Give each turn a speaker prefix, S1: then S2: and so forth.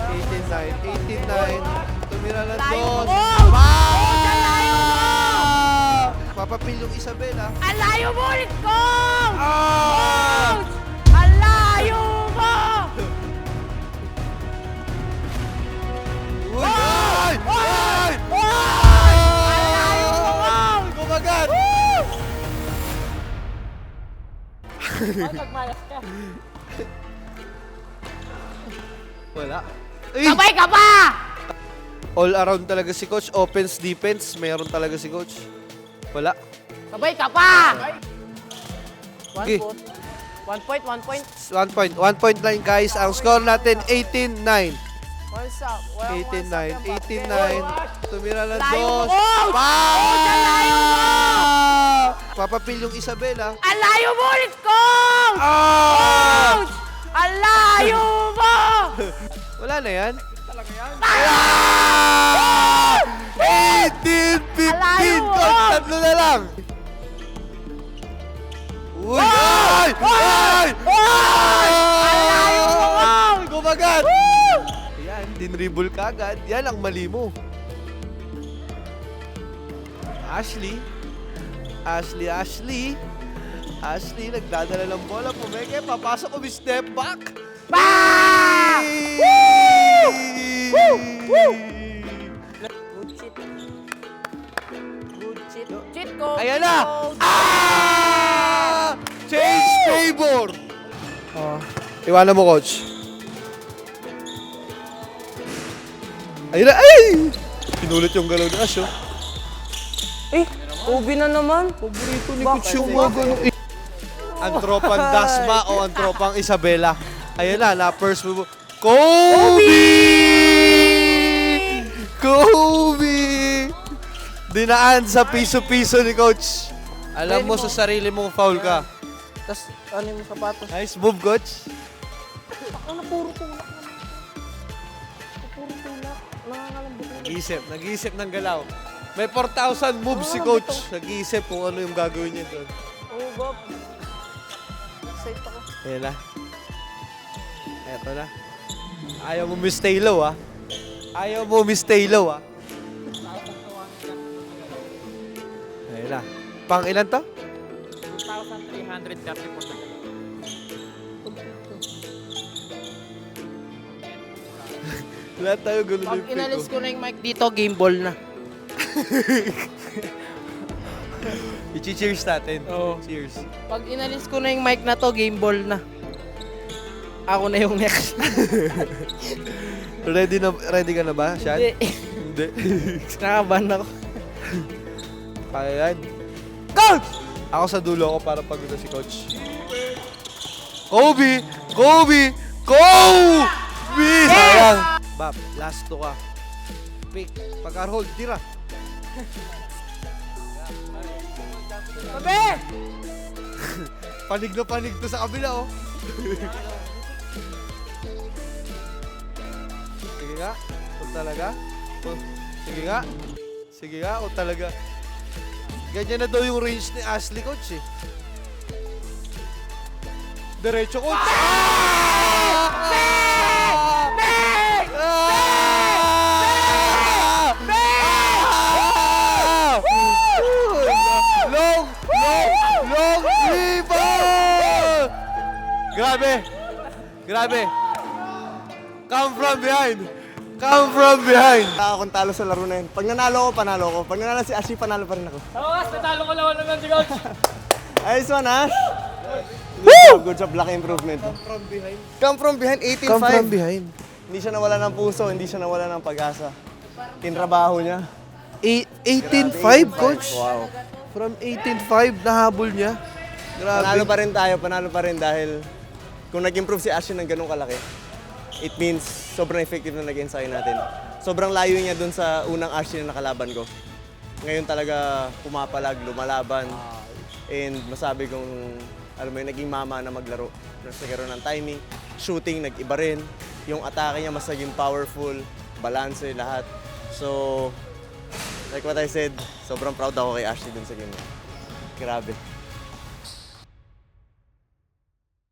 S1: 18-9. Tumira na dos. Papapil yung Isabela.
S2: Ang layo mo ulit ko!
S1: Ah!
S2: Ang layo mo!
S1: Uy! Ay! Ay!
S2: Ang layo mo!
S1: Kumagat!
S2: Magmayas ka.
S1: Wala. Ay!
S2: Sabay ka pa!
S1: All around talaga si Coach. Offense, defense, meron talaga si Coach. Wala.
S2: Sabay ka pa!
S1: Okay.
S2: 1 point.
S1: 1 point line guys. Ang score natin 18-9.
S2: What's up?
S1: 18-9. Tumira na
S2: Layo
S1: dos.
S2: mo! Ang layo mo!
S1: Papapil yung Isabela.
S2: Ang layo mo ulit ko!
S1: Ah!
S2: Ang layo mo!
S1: Wala na yan.
S2: Talaga yan?
S1: 18-15.
S2: Alayo mo!
S1: Coach, tatlo na lang. Uy! Ay! Ay!
S2: Alayo mo!
S1: Kumagat! Yan, dinribble ka agad. Yan ang mali mo. Ashley, nagdadala ng bola. Pumeke, papasok, step back.
S2: Bang! Good shit. Cheat code.
S1: Ayan na! Ah! Change favor! Iwanan mo, Coach. Ayun na! Ay! Pinulit yung galaw ni Ash, oh.
S2: Ubi na naman.
S1: Paborito ni Coach yung mga ganun. Ang tropang Dasma o ang tropang Isabela. Ayan na first move. Kobe! Dinaan sa piso-piso ni Coach. Alam mo sa sarili mong foul ka.
S2: Tapos, ano yung sapatos?
S1: Nice move, Coach.
S2: Ano, puro tulak naman. Puro tulak. Nangangalambot na.
S1: Nag-iisip ng galaw. May 4,000 moves si Coach. Nag-iisip kung ano yung gagawin niya doon.
S2: Oo, Bob. Excited ako.
S1: Ayan na. Eto na. Ayaw mo stay low, ah. Ayaw mo stay low, ah. Ayan na. Pang ilan to?
S3: 2,330 po.
S1: Lahat tayo gulo na
S2: Pag
S1: yung pick,
S2: inalis
S1: oh.
S2: ko na yung mic dito, game ball na.
S1: I-cheers natin.
S2: Oo.
S1: Cheers.
S2: Pag inalis ko na yung mic na to, game ball na. Ako na yung next.
S1: Ready ka na ba, Sean?
S2: Hindi.
S1: Hindi.
S2: Nakaban ako.
S1: Ayan. Coach! Ako sa dulo ako para pagulo si Coach. Kobe! Sayang! Bab, last to ka. Pick. Pagka-hold, tira.
S2: Sabi!
S1: Panig na panig to sa kabila, oh. Sige nga. Kung talaga. Sige nga. Kung talaga. Ganyan na daw yung range ni Ashley, Coach, eh. Diretso, Coach. Long rebound! Grabe. Come from behind.
S4: Akong talo sa laro na yun. Pag nanalo ko, panalo ko. Pag nanalo si Ashi, panalo pa rin ako.
S3: Tawas, natalo ko lang naman si Coach.
S4: Ayos one, Ash. Good job, laki improvement. Come from behind, 18-5.
S1: Come from behind.
S4: Hindi siya nawala ng puso, hindi siya nawala ng pag-asa. Tinrabaho niya.
S1: 18-5, Coach.
S4: Wow.
S1: From 18-5, nahabol niya.
S4: Panalo
S1: Grabe.
S4: pa rin dahil kung nag-improve si Ashi ng ganong kalaki, it means sobrang effective na nag-ensayo natin. Sobrang layo niya dun sa unang Ashi na nakalaban ko. Ngayon talaga pumapalag, lumalaban. And masabi kong, alam mo yun, naging mama na maglaro. Nagkaroon ng timing, shooting, nag-iba rin. Yung atake niya mas naging powerful, balance, lahat. So, like what I said, sobrang proud ako kay Ashley dun sa game. Grabe.